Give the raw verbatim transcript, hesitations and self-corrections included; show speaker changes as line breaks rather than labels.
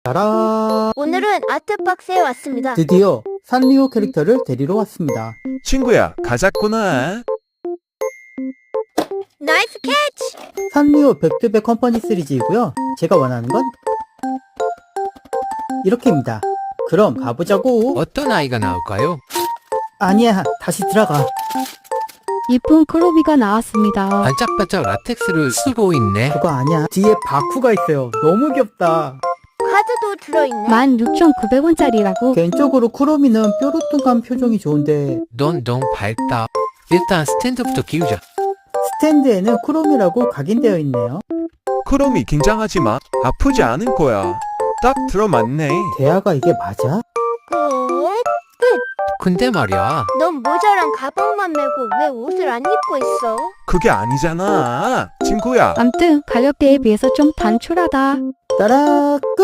따라.
오늘은 아트박스에 왔습니다.
드디어 산리오 캐릭터를 데리러 왔습니다.
친구야, 가자꾸나.
나이스 캐치!
산리오 백투백 컴퍼니 시리즈이고요. 제가 원하는 건 이렇게입니다. 그럼 가보자고.
어떤 아이가 나올까요?
아니야, 다시 들어가.
이쁜 크로비가 나왔습니다.
반짝반짝 라텍스를 쓰고 있네.
그거 아니야. 뒤에 바쿠가 있어요. 너무 귀엽다.
카드도 들어있네.
만 육천구백 원짜리라고.
개인적으로 쿠로미는 뾰루뚱한 표정이 좋은데
넌 너무 밝다. 일단 스탠드부터 키우자.
스탠드에는 쿠로미라고 각인되어 있네요.
크롬이 긴장하지 마. 아프지 않을 거야. 딱 들어맞네.
대화가 이게 맞아?
끝!
근데 말이야,
넌 모자랑 가방만 메고 왜 옷을 안 입고 있어?
그게 아니잖아. 친구야.
암튼 가격대에 비해서 좀 단촐하다.
따라 끝!